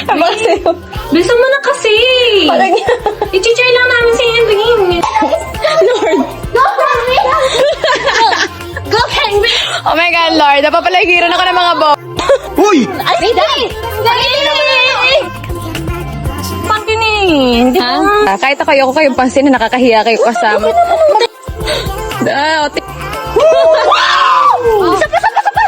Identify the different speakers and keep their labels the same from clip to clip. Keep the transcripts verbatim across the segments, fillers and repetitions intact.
Speaker 1: Bilisan mo na kasi.
Speaker 2: Parang
Speaker 1: I-cheer lang namin si Henry.
Speaker 2: Lord.
Speaker 1: Go, Henry! Go, Henry!
Speaker 2: Oh my God, Lord. Napapalagiran ako ng mga bo.
Speaker 3: Uy!
Speaker 1: Ay, Dali! Dali! Pangkinig!
Speaker 2: Ha? Ah, kahit ako, ayoko kayong pansin na nakakahiya kayo kasama. Ah, otik.
Speaker 1: Isa pa, isa pa, isa pa!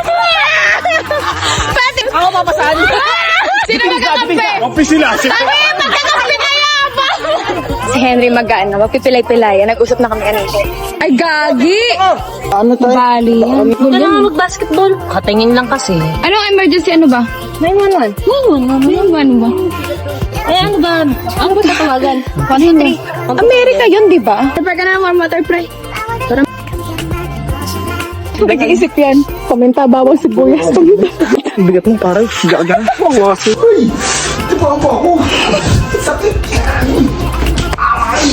Speaker 2: Pati! Ako papasan. Sino magkakampi?
Speaker 3: Kampi sila.
Speaker 2: Kami, magkakampi kayo! Si Henry mag-ano, magpipilay-pilay. Nag-usap na kami kanina. Ay, gagi!
Speaker 3: Ano tayo?
Speaker 2: Bali.
Speaker 1: Huwag ka naman mag-basketball. Katingin lang kasi.
Speaker 2: Anong emergency? Ano ba?
Speaker 1: nine one one.
Speaker 2: nine one one. nine one one ba?
Speaker 1: Eh, ano ba? Ano ba tatawagan?
Speaker 2: one three. Amerika yun, di ba? Kapag ka na warm water, pre. Para nag-iisip yan. Komenta, bawang sibuyas.
Speaker 3: Ang bigat mo parang gaga. Mawaso. Uy! Ito pa ako ako. Sakit. Ay!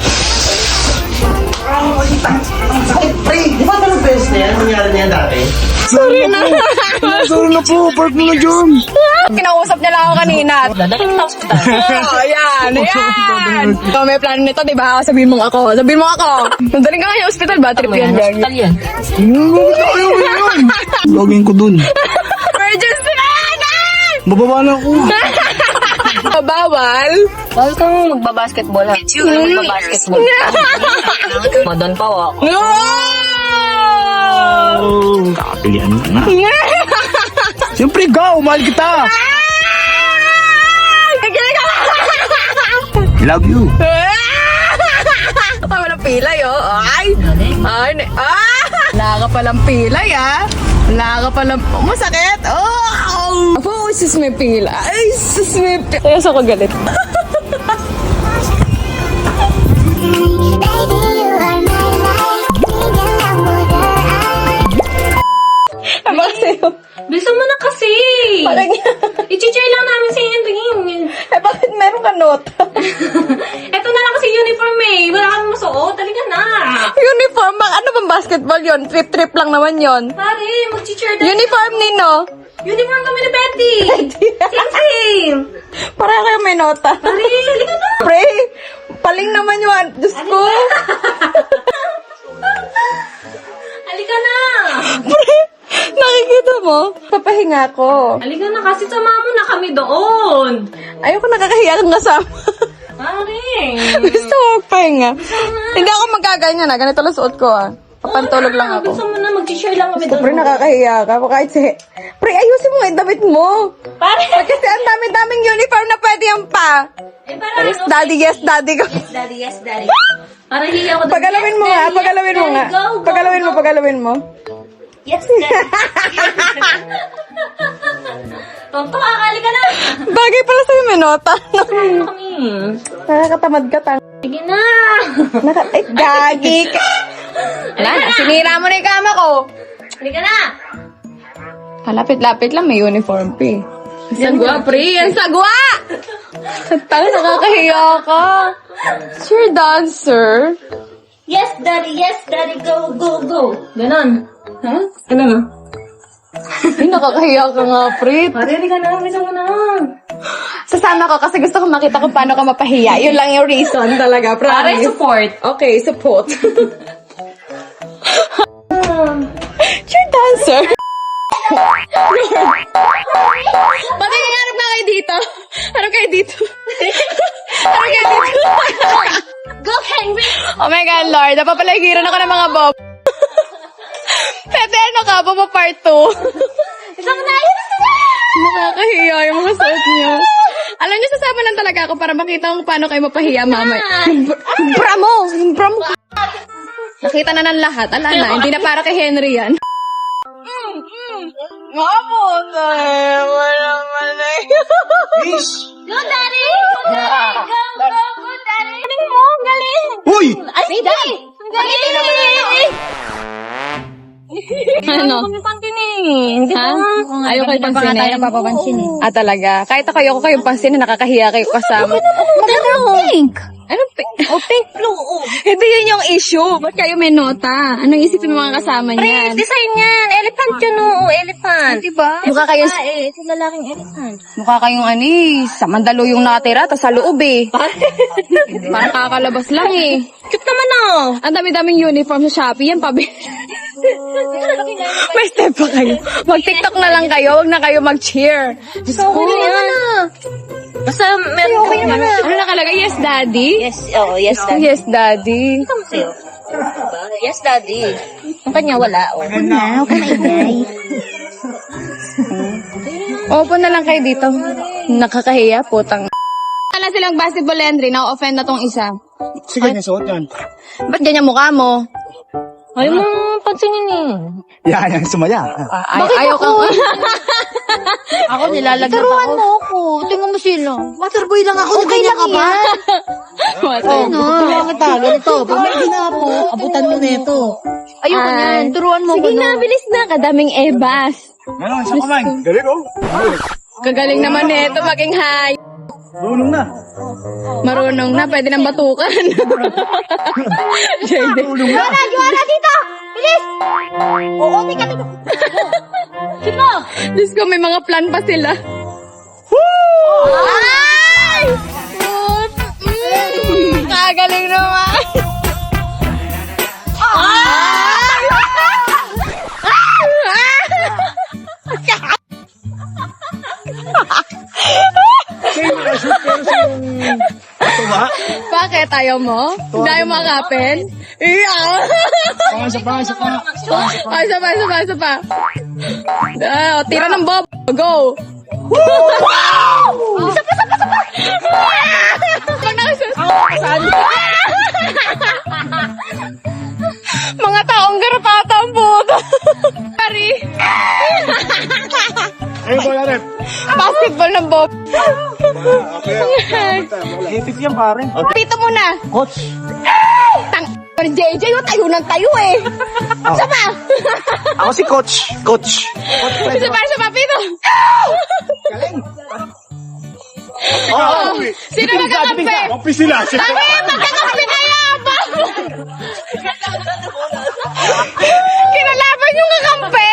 Speaker 3: Ay! Ang sakit, pre. Di ba ganun beses na yan? Nangyari na yan dati?
Speaker 2: Sorry na.
Speaker 3: Sorry na po. Park mo na dyan.
Speaker 2: Kinausap niya lang ako kanina.
Speaker 1: Dadalhin kita hospital.
Speaker 2: Oh, ayan, ayan. So, may plano nito, di ba? Sabihin mo ako. Sabihin mo ako. Nadaling ka ngayon hospital ba? Trip yan, gagi.
Speaker 1: Hospital yan.
Speaker 3: Ayaw mo yun. Login ko dun.
Speaker 2: Emergency na yan!
Speaker 3: Bababa na ako.
Speaker 2: Bawal?
Speaker 1: Bawal kang magbabasketball ha. Magbabasketball. Madan pa ako.
Speaker 2: No!
Speaker 3: Oh, kakapilian mo na. Siyempre, go! Mahal kita! Love you!
Speaker 2: Tama ng pilay, oh. Ay! Ay! ne- Ah! Wala ka palang pilay, ah. Wala ka palang... Oh, masakit! Oh! Oh, sis may pila. Ay, sis may pila. Kaya sa ko galit. Ano sa'yo?
Speaker 1: Bilisan mo na kasi.
Speaker 2: Parang...
Speaker 1: I-cheer lang namin si Henry.
Speaker 2: Eh, bakit meron ka nota?
Speaker 1: Ito na lang kasi uniform eh. Wala kami masuot. Talika na.
Speaker 2: Uniform? Bang, ano bang basketball yon? Trip-trip lang naman yon.
Speaker 1: Pare, mag-cheer tayo.
Speaker 2: Uniform nino?
Speaker 1: Uniform kami ni Betty. Same, same.
Speaker 2: Para kayo may nota.
Speaker 1: Pare, halika na.
Speaker 2: Pre, paling naman yun. Diyos ko.
Speaker 1: Halika na.
Speaker 2: Pre, nakikita mo? Papahinga ko.
Speaker 1: Halika na kasi sama mo na kami doon.
Speaker 2: Ayoko nakakahiya kang kasama.
Speaker 1: Pare.
Speaker 2: Gusto mo magpahinga. Hindi ako magaganyan na. Ganito lang suot ko ah. Papantulog lang ako.
Speaker 1: Gusto mo na mag-cheer lang kami doon.
Speaker 2: Pre, nakakahiya ka. Kahit si... Pre, ayusin mo yung damit mo.
Speaker 1: Pare.
Speaker 2: Kasi ang dami-daming uniform na pwede yan pa.
Speaker 1: Eh, para
Speaker 2: Yes,
Speaker 1: ano?
Speaker 2: daddy, yes, daddy ka.
Speaker 1: Yes, daddy, yes, daddy. Para hiya ako doon.
Speaker 2: Pagalawin mo
Speaker 1: Yes,
Speaker 2: nga,
Speaker 1: daddy,
Speaker 2: pagalawin
Speaker 1: yes,
Speaker 2: mo nga.
Speaker 1: daddy. Go, go,
Speaker 2: Pagalawin mo,
Speaker 1: go.
Speaker 2: pagalawin mo.
Speaker 1: Yes, daddy. Tonto, akali ka na.
Speaker 2: Bagay pala sa'yo may nota.
Speaker 1: Ano kami?
Speaker 2: Nakakatamad ka tang.
Speaker 1: Sige na.
Speaker 2: Naka... Ay, gagi ka. Wala na, sinira mo na yung kama ko.
Speaker 1: Halika na.
Speaker 2: Lapit-lapit lang, may uniform pa eh. Sagwa, pre! Yan sagwa! Tanga, nakakahiya ka. Sure dancer.
Speaker 1: Yes, daddy, yes, daddy, go, go, go. Ganon.
Speaker 2: Ha? Ano na? Ay, nakakahiya ka nga, pre.
Speaker 1: Pare, halika na. Bisa mo na.
Speaker 2: Sasama ko kasi gusto ko makita kung paano ka mapahiya. Yun lang yung reason talaga,
Speaker 1: Pare,
Speaker 2: promise.
Speaker 1: support.
Speaker 2: Okay, support. Sure dancer. Pati harap na kayo dito. Harap kayo dito. Harap kayo dito.
Speaker 1: Go, Henry.
Speaker 2: Oh my God, Lord. Napapalagiran ako ng mga bob. Pwede ano ka, boba part two.
Speaker 1: Isang na yun.
Speaker 2: Nakakahiya yung mga suot niyo. Alam niyo, sasama lang talaga ako para makita kung paano kayo mapahiya, mama. Yung bra- yung bra mo! Yung bra mo! Nakita na ng lahat. Ala na, hindi na para kay Henry yan. Mamo, wala mali.
Speaker 3: Please!
Speaker 1: Go, daddy. Go, daddy. Go, go, go, daddy. Galing mo, galing.
Speaker 3: Uy!
Speaker 1: Ay, daddy. Galing.
Speaker 2: Ano?
Speaker 1: Kami pangkinig.
Speaker 2: Ha? Ayaw kayo pansinin?
Speaker 1: napapansin eh.
Speaker 2: Ah, talaga? Kahit ako ayoko kayong pansinin, nakakahiya kayo kasama.
Speaker 1: Maganda ako. Pink.
Speaker 2: Anong pink? Oh, pink blue. Oh. Hindi yun yung issue. Ba't kayo may nota? Anong isipin mo mga kasama niyan?
Speaker 1: Design yan. Elephant yun, oo. Elephant.
Speaker 2: Diba?
Speaker 1: Mukha kayo... Eh, ito lalaking elephant.
Speaker 2: Mukha kayong ani, sa mandalo yung natira, tas sa loob eh. Parang kakalabas lang eh.
Speaker 1: Cute naman, oh.
Speaker 2: Ang dami-daming uniform sa Shopee, yan pabi. May step pa kayo. Mag-tiktok na lang kayo, wag na kayo mag-cheer.
Speaker 1: So, okay na yan. Basta meron kami naman.
Speaker 2: Ano nakalagay? Yes, daddy?
Speaker 1: Yes, oh, yes, daddy.
Speaker 2: Yes, daddy.
Speaker 1: Ito mo sa'yo. Diba? Yes, daddy. Ang kanya wala, oh.
Speaker 2: Open na lang kayo dito. Nakakahiya, putang. Wala silang basketball entry, na-offend na tong isa.
Speaker 3: Sige, nasuot yan.
Speaker 2: Ba't ganyan mukha mo?
Speaker 1: Ayaw mo pansinin eh.
Speaker 3: Yan, yan, sumaya.
Speaker 2: Ay, ayaw kang...
Speaker 1: Ako nilalagnat ako.
Speaker 4: Turuan mo ako. Tingnan mo sila. Waterboy lang ako. Okay lang ka ba? Ano? Turuan kita. Ganito. Pag may ginapo, abutan mo na ito.
Speaker 2: Ayoko
Speaker 4: yan. Turuan mo
Speaker 2: Sige
Speaker 4: ko,
Speaker 2: na,
Speaker 4: no?
Speaker 2: bilis na. Kadaming ebas.
Speaker 3: Meron, isang kamay. Galing, oh.
Speaker 2: Kagaling naman nito maging high.
Speaker 3: Tulong na.
Speaker 2: Marunong na, pwede nang batukan. J D.
Speaker 3: Tulong na.
Speaker 4: Juara, juara dito! Bilis! Oo, tika, tika. Sino?
Speaker 2: Diyos ko, may mga plan pa sila. Ay! Mm, kagaling naman.
Speaker 3: Sa'yo, nakashoot pero sa yung... Tuwa.
Speaker 2: Bakit? Ayaw mo? Hindi ayaw makapin? Iya!
Speaker 3: Panga, isa pa, isa pa.
Speaker 2: Ay, isa pa, isa pa, isa pa. Ah, tira ng bob. Go! Isa pa, isa pa, isa pa! Pag nakasus... Mga taong garapata ang puto. Pari.
Speaker 3: Ayun, bola rep.
Speaker 2: Basketball ng bob.
Speaker 3: Okay. Hipit yan, pare.
Speaker 2: Dito muna.
Speaker 3: Coach.
Speaker 2: Tang... J J, yung tayo ng tayo eh. Isa pa.
Speaker 3: Ako si Coach. Coach. Coach Fred.
Speaker 2: Isa pa, isa pa, Pito.
Speaker 3: Oh,
Speaker 2: Sino magkakampi?
Speaker 3: Kampi sila. Sila.
Speaker 2: Bakit? Magkakampi kaya ba? Kinalaban yung kakampi.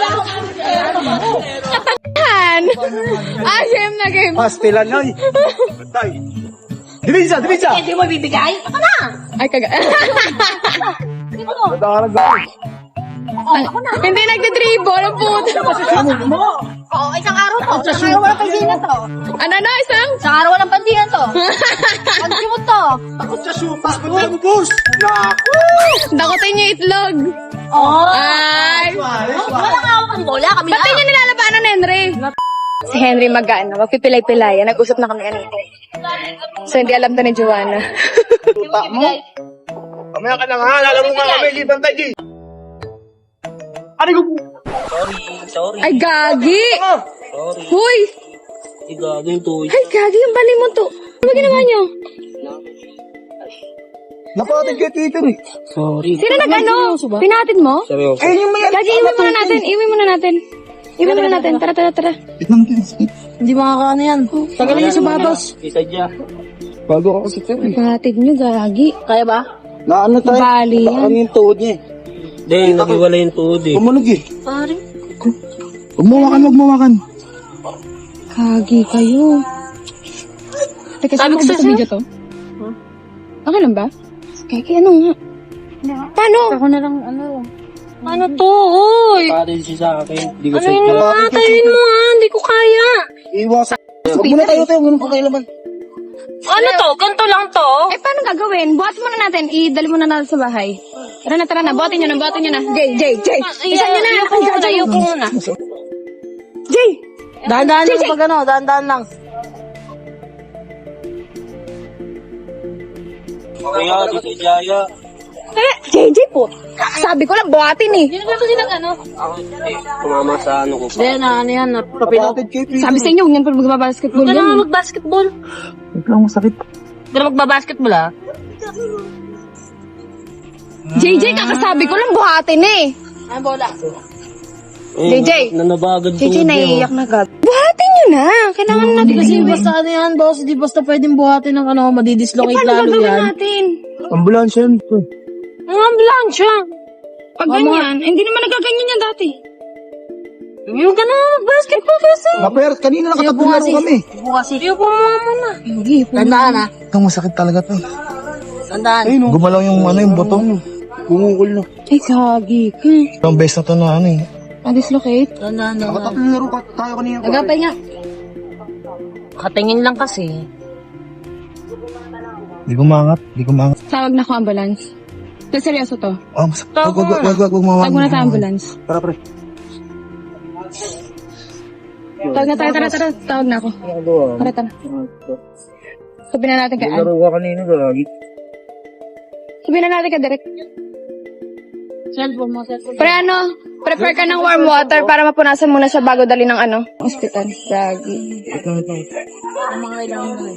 Speaker 2: Katangahan. Ah, game na game.
Speaker 3: Pastilan yan. Tay. Divisa, divisa.
Speaker 4: Hindi mo bibigay? Ako na!
Speaker 2: Ay, kaga.
Speaker 3: Nadarag ako.
Speaker 2: Hindi nagdi-dribble ang puto.
Speaker 4: Oo, isang araw to. Isang araw walang pansinan to.
Speaker 2: Ano na, isang?
Speaker 4: Isang araw walang pansinan to. Pagsimot to.
Speaker 3: Ako sa supas. Punta mo, boss. Naku.
Speaker 2: Dakotin niyo itlog.
Speaker 4: Oo.
Speaker 2: Ay.
Speaker 4: Walang hawak ang bola. Kami
Speaker 2: Ba't
Speaker 4: na.
Speaker 2: niyo nilalabanan, Henry? Si Henry mag-ano, magpipilay-pilayan. Nag-usap na kami ano. So, hindi alam to ni Joanna.
Speaker 3: Tuta mo. Kamaya ka na nga. Alam mo nga kami. Liban tayo, G. Ano ko?
Speaker 2: Ay, gagi!
Speaker 5: Sorry.
Speaker 2: Huy!
Speaker 5: Igado yung tuwi.
Speaker 2: Ay, gagi, yung bali mo to. Ano ba ginawa niyo?
Speaker 3: Napatid kay Tito eh.
Speaker 5: Sorry.
Speaker 2: Sino nag-ano? Pinatid mo?
Speaker 5: Seryoso.
Speaker 3: Eh, yung may
Speaker 2: Gagi, iwi muna natin. Iwi muna natin. Iwi muna natin. Tara, tara, tara.
Speaker 3: Itang
Speaker 4: Hindi makakaano yan. Tagalin niyo sa batos.
Speaker 5: Isa dyan.
Speaker 3: Bago ako sa Tito eh.
Speaker 2: Pinatid niyo, gagi.
Speaker 4: Kaya ba?
Speaker 3: Na ano tayo?
Speaker 2: Bali yan.
Speaker 3: Ano yung tuhod niya eh.
Speaker 5: Hindi, nagiwala yung tuod eh.
Speaker 3: Umunog eh.
Speaker 4: Pare.
Speaker 3: Huwag mawakan, huwag mawakan.
Speaker 2: Gagi kayo. Teka, saan mo ba sa video to? Okay lang ba? Gagi, ano nga? Paano?
Speaker 4: Ako na lang, ano.
Speaker 1: Ano to, oy?
Speaker 5: Parin siya sa akin. Hindi ko
Speaker 1: Ano
Speaker 5: sa
Speaker 1: yun
Speaker 5: inyo.
Speaker 1: mga tayin mo ha? Hindi ko kaya.
Speaker 3: Iwasan. Huwag muna tayo tayo. Ganun ko kayo laman.
Speaker 1: Ano to? Ganto lang to?
Speaker 2: Eh, paano gagawin? Buhat muna natin. Idali muna natin sa bahay. Tara na, tara na. Buhatin nyo na, buhatin nyo na. Jay, Jay, Jay. Isa nyo na.
Speaker 1: Ayoko muna, ayoko muna.
Speaker 2: Jay!
Speaker 4: Dahan-dahan lang pag ano. Dahan-dahan lang.
Speaker 5: Kaya, dito Jaya.
Speaker 2: Eh, Jay, Jay po. Sabi ko lang, buhatin eh.
Speaker 1: Hindi na kasi nag ano?
Speaker 5: Ako, eh, tumama sa ano ko.
Speaker 4: Hindi, na ano yan. Napapilo.
Speaker 3: Napatid kay Tito.
Speaker 2: Sabi sa inyo, huwag yan pa magbabasketball
Speaker 1: Huwag ka
Speaker 2: yan.
Speaker 1: na
Speaker 2: eh.
Speaker 1: mag-basketball.
Speaker 3: Huwag lang masakit.
Speaker 1: Huwag ka na magbabasketball ha?
Speaker 2: J J, kakasabi ko lang, buhatin eh.
Speaker 4: Ang bola.
Speaker 5: Eh,
Speaker 2: J J.
Speaker 5: Nanabagad
Speaker 2: J J,
Speaker 5: tuod niya,
Speaker 2: naiiyak na gag. Buhatin nyo na. Kailangan natin
Speaker 4: Hindi kasi basta ano yan, boss. Hindi basta pwedeng buhatin ng ano, madidislocate
Speaker 2: Paano
Speaker 4: lalo
Speaker 2: gagawin
Speaker 4: yan.
Speaker 2: natin?
Speaker 3: Ambulansya yun.
Speaker 2: Ang ambulansya. Pag ganyan, hindi naman nagaganyan yan dati. Yung ka na, basketball kasi.
Speaker 3: Naper, kanina nakatularo kami.
Speaker 4: Bukas eh.
Speaker 2: Iyo po muna. Hindi po.
Speaker 4: Tandaan ha.
Speaker 3: Ang masakit talaga to.
Speaker 4: Tandaan.
Speaker 3: Ayun, oh. Gumalaw yung ano, yung botong. Gumungkol na.
Speaker 2: Ay, kagi ka.
Speaker 3: Ang best na to na ano eh.
Speaker 2: Na-dislocate?
Speaker 4: Tandaan na.
Speaker 3: Nakatatlong laro ka tayo kanina.
Speaker 2: Nagapay nga.
Speaker 1: Katingin lang kasi.
Speaker 3: Di gumangat, di gumangat.
Speaker 2: Tawag na ko ambulance. Pero seryoso to.
Speaker 3: Oh, mas... Wag, wag, wag, wag, wag,
Speaker 2: Tawag muna tayo ambulance.
Speaker 3: Tara, pre.
Speaker 2: Tawag na tayo, tara, tara. Tawag na ako. Tara, tara. Sabihin na natin kay Ann.
Speaker 3: Laro ka kanina, lagi.
Speaker 2: Sabihin na natin kay Derek.
Speaker 4: Cellphone mo, cellphone.
Speaker 2: Pre ano, prepare ka ng warm water para mapunasan muna siya bago dali ng ano, hospital. Gagi.
Speaker 4: Ang mga kailangan mo.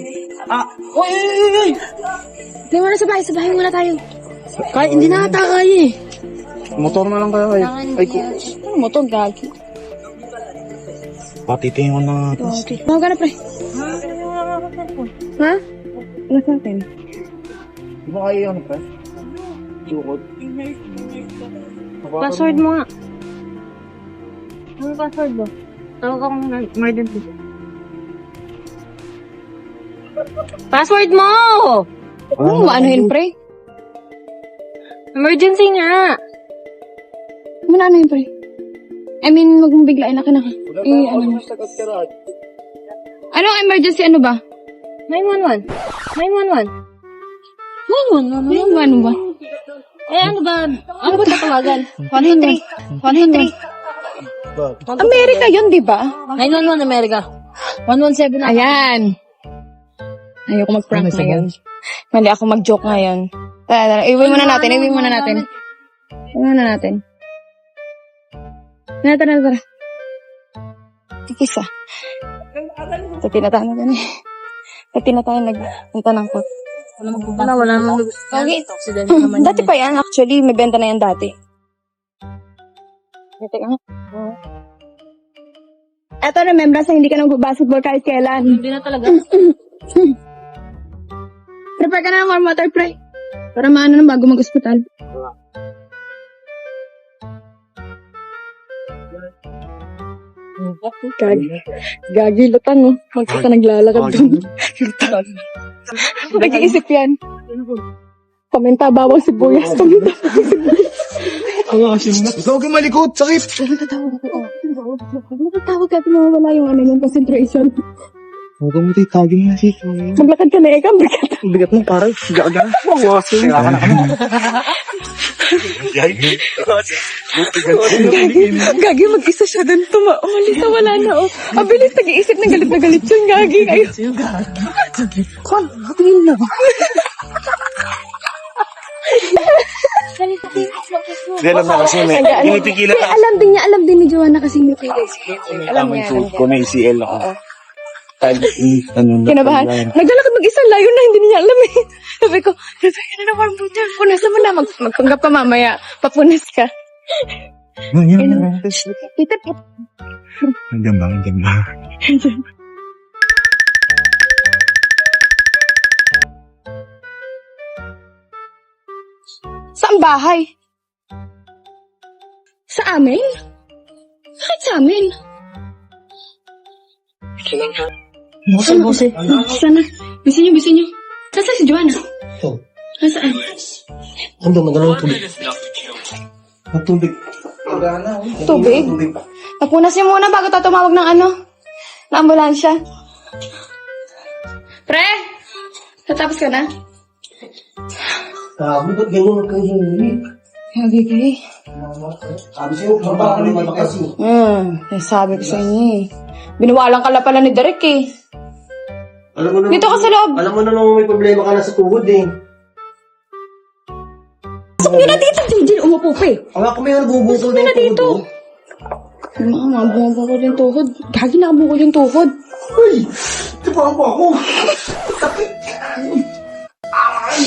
Speaker 2: Hindi muna sa bahay, sa bahay muna tayo.
Speaker 4: Kaya, hindi na ata kaya eh.
Speaker 3: Motor na lang kaya kayo. Ay, ko.
Speaker 2: Ano mo to, gagi?
Speaker 3: Patitingin ko na nga.
Speaker 2: Okay. Mga ka na, pre. Ha? Ano sa atin?
Speaker 3: Di ba kayo ano, pre? Sukot.
Speaker 1: Password mo nga. Ano password mo? Tawag akong emergency. Password mo!
Speaker 2: Oo, ano yun, pre?
Speaker 1: Emergency nga!
Speaker 2: Ano ano yun, pre? I mean, wag mong biglain na ka na. Eh, ano? Ano ang emergency, ano ba?
Speaker 1: nine one one. nine one one.
Speaker 2: Ano, ano, ano, ano, ano ba?
Speaker 1: Eh, ano ba? Ano ba tatawagan?
Speaker 2: one two three. one two three. Amerika yun, di ba?
Speaker 4: nine one one America. one one seven na.
Speaker 2: Ayan. Ayoko mag-prank
Speaker 3: Ano,
Speaker 2: ngayon. Mali ako mag-joke ngayon. Tara, tara. Iwi muna natin, iwi muna natin. Iwi muna natin. Tara, tara, tara. Tikis ah. Sa tinatahan na dyan eh. Sa tinatahan nagpunta ng kot.
Speaker 4: Wala, wala namang gusto.
Speaker 2: Okay.
Speaker 4: Accident naman.
Speaker 2: Dati pa yan, actually. May benta na yan dati. Ito nga. Eto, remember sa hindi ka nag-basketball kahit kailan.
Speaker 4: Hindi na talaga.
Speaker 2: Prepare ka na ng warm water, pre. Para maano na bago mag-hospital. Gagi. Gagi, lutan, no? Magkita naglalakad doon. Lutan. Nag-iisip yan. Paminta, bawang sibuyas. Paminta, bawang sibuyas.
Speaker 3: Ang asim na. Ikaw ka malikot, sakit.
Speaker 2: Matatawag ako. Matatawag ka, pinawawala yung ano yung concentration.
Speaker 3: Huwag mo tayo, tawagin mo na si
Speaker 2: Maglakad ka na, eka, bigat.
Speaker 3: Ang bigat mo, parang gaga. Ang asim. Kaya ka na kami.
Speaker 2: Gagi, mag-isa siya doon. Tuma, umalis na, wala na, oh. Abilis, nag-iisip ng galit na galit yun, Gagi. Kayo.
Speaker 3: Kon, hatingin na. Hindi alam na kasi may pinipigilan
Speaker 2: Eh, alam din niya, alam din ni Joanna kasi may pilis. Alam niya, alam niya.
Speaker 3: ko may C L ako. Ano na?
Speaker 2: Kinabahan. Naglalakad mag-isa, layo na, hindi niya alam eh. Sabi ko, sabi ka na na warm water. Punasan mo na, mag magpanggap ka mamaya. Papunas ka. Tita,
Speaker 3: Nandiyan ba? Nandiyan ba?
Speaker 2: saan bahay? Sa amin? Bakit sa amin?
Speaker 4: Bose, bose.
Speaker 2: Sana. Bisa niyo, bisa niyo. Nasaan si Joanna?
Speaker 3: Ito.
Speaker 2: Nasaan?
Speaker 3: Ando, magalang tubig. Ang tubig.
Speaker 2: Tubig? Napunas niyo muna bago tayo tumawag ng ano? Na ambulansya. Pre! Natapos ka na?
Speaker 3: Sabi, ba't gano'n kang hinihilig?
Speaker 2: Gagi kayo.
Speaker 3: Sabi sa'yo, trabaho naman kasi.
Speaker 2: Hmm, eh, sabi ko sa inyo eh. Binawalan ka lang pala ni Derek eh.
Speaker 3: Alam mo naman,
Speaker 2: Dito ka sa loob.
Speaker 3: Alam mo na naman may problema ka na sa tuhod eh.
Speaker 2: Pasok nyo na dito, J J. Umupo pa eh.
Speaker 3: Ang ako may nabubukol
Speaker 2: Pasok nyo na dito. Yung mga mga bumabukol yung tuhod. Gagi nakabukol yung tuhod.
Speaker 3: Uy! Tipahan mo ako! Sakit! Ay!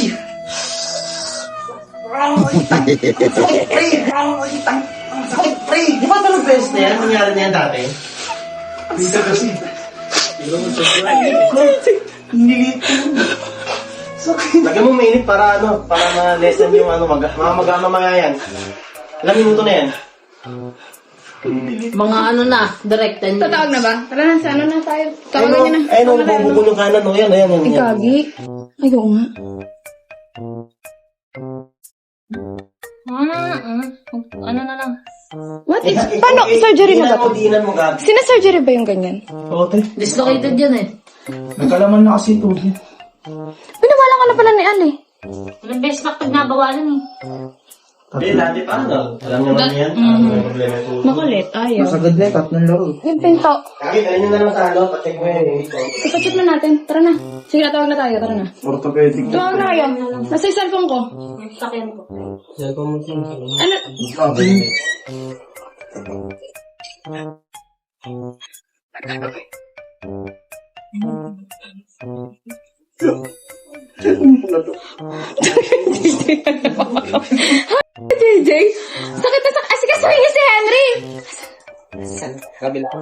Speaker 3: Sakit, pre! Sakit, pre! Di ba ito nag-best na yan? Nangyari na yan dati? Dito kasi. Nilit ko. Sakit. Lagyan mo mainit para ano, para ma-lessen yung ano, mag mga mag-mamaya yan. Ilang minuto na yan?
Speaker 4: Mga ano na, direct ten
Speaker 2: Tatawag na ba? Tara na, sa ano na tayo?
Speaker 3: Ayun
Speaker 2: Tawagan niyo na.
Speaker 3: o, ayun o, bubukol yung kanan o, yan, ayan, yan,
Speaker 2: Ay,
Speaker 3: yan.
Speaker 2: gagi. Ay, oo nga.
Speaker 1: Ah, ah. Ano na lang.
Speaker 2: What
Speaker 3: Eh,
Speaker 2: is...
Speaker 3: eh,
Speaker 2: Paano?
Speaker 3: eh,
Speaker 2: Surgery na
Speaker 3: diinan
Speaker 2: ba
Speaker 3: mo,
Speaker 2: to?
Speaker 3: diinan mo, Gabi.
Speaker 2: Sina-surgery ba yung ganyan?
Speaker 3: Oo, te.
Speaker 4: Dislocated yan eh.
Speaker 3: Nagkalaman na kasi ito.
Speaker 2: Pinawala ka na pala ni Ali.
Speaker 1: Ilang beses na pag nabawalan eh.
Speaker 3: Hindi, dati pa, ano? Alam niyo naman yan. Ano may problema ito?
Speaker 2: Makulit, ayaw.
Speaker 3: Sagad na, tatlong laro.
Speaker 2: Yung pinto.
Speaker 3: Kaki, dali nyo na lang sa ano, pacheck mo yan. eh, ito.
Speaker 2: Ipacheck na natin. Tara na. Sige na, tawag na tayo. Tara na.
Speaker 3: Orthopedic.
Speaker 2: Tawag na kayo. Nasa yung cellphone ko.
Speaker 1: Sakyan ko.
Speaker 5: Cellphone mo din.
Speaker 2: Ano? J J? Sakit na sakit. Ah, sige, sabihin niyo si Henry.
Speaker 5: Kabila.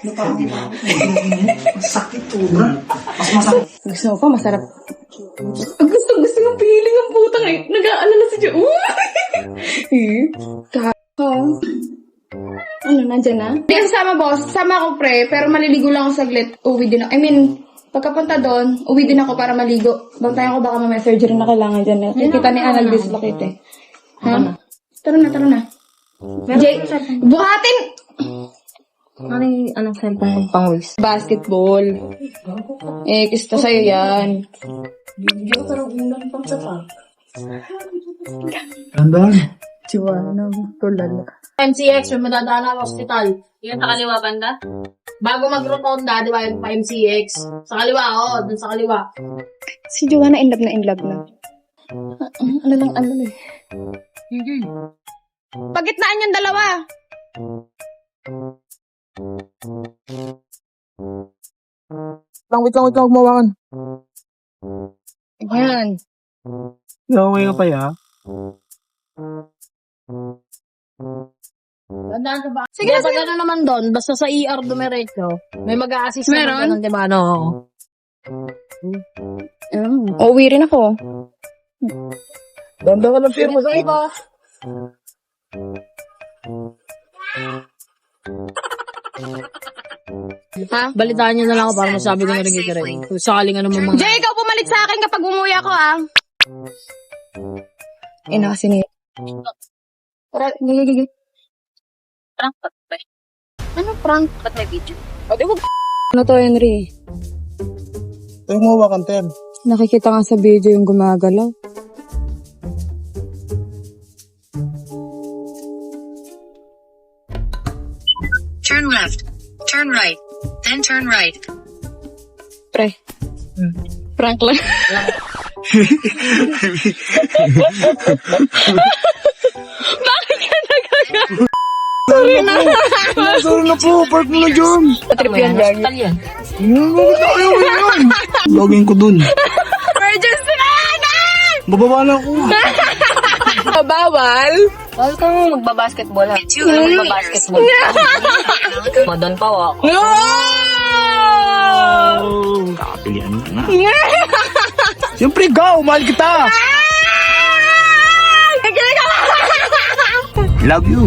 Speaker 3: Sakit to, bro. Mas masakit.
Speaker 2: Gusto mo pa, masarap. Gusto, gusto yung feeling ng putang eh. Nag-aalala si Jo. Eh, kaka. Ano, nandyan na? Hindi ako sama, boss. Sama ako, pre. Pero maliligo lang ako saglit. Uwi din ako. I mean, pagkapunta doon, uwi din ako para maligo. Bantayan ko baka may surgery na kailangan dyan. Kita ni Anal dislocate eh. Ha? Tara na, tara na. Jay, buhatin!
Speaker 1: Ano yung anong cellphone kong pang-waste?
Speaker 2: Basketball. Eh, kista sa'yo yan.
Speaker 3: Tandaan.
Speaker 4: M C X, may madadaan na hospital.
Speaker 1: Yung sa kaliwa banda?
Speaker 4: Bago mag-rotonda, di ba, yung pa M C X. Sa kaliwa, oo, dun sa kaliwa.
Speaker 2: Si Joanna in love na in love na. Ah, ano lang, ano eh. Pagitnaan yung dalawa.
Speaker 3: Lang, wait lang, wait lang, huwag mawakan.
Speaker 2: Ayan.
Speaker 3: Okay ka pa, ya?
Speaker 4: Tandaan ka ba?
Speaker 2: Sige na,
Speaker 4: Pag ano naman doon, basta sa E R dumiretso, may mag-a-assist
Speaker 2: Meron?
Speaker 4: naman doon, di ba, no?
Speaker 2: Oh, uwi rin ako.
Speaker 3: Tanda ka ng firma sa iba.
Speaker 2: Ha?
Speaker 4: Balitaan nyo na lang ako para masabi ko na rin kay Ray. Kung sakaling ano mo mga...
Speaker 2: Jay, ikaw pumalit sa akin kapag umuwi ako, ah. Ina kasi ni... Tara, gigi,
Speaker 1: Prank pa ba?
Speaker 2: Ano prank?
Speaker 1: Ba't may video?
Speaker 2: O, di wag... Ano to, Henry?
Speaker 3: Huwag mawakan, Tem.
Speaker 2: Nakikita nga sa video yung gumagalaw.
Speaker 6: Turn left. Turn right. Then turn right.
Speaker 2: Pre. Prank lang. Bakit ka nagagawa? Sorry na.
Speaker 3: Sorry na po, park mo na dyan.
Speaker 2: Patrip yan, Gagi.
Speaker 1: yan.
Speaker 3: Ayaw mo yan. Login ko dun.
Speaker 2: Emergency na!
Speaker 3: Bababa na ako.
Speaker 2: Bawal?
Speaker 1: Bawal ka mo magbabasketball ha. Magbabasketball. Madon pa wa.
Speaker 2: No!
Speaker 3: Oh, kakapilian mo na. Siyempre, go! Mahal kita! Love you!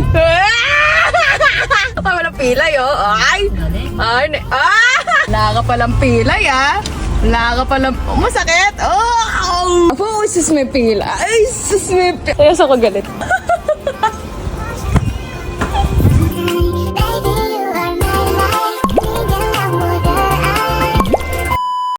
Speaker 2: Ay, walang pilay, oh. Ay! Ay, ne- ah! Wala ka palang pilay, ah. Wala ka palang... Oh, masakit! Oh! Oh! Sus, may pila. Ay, sus, may pila. Kaya sa ko galit.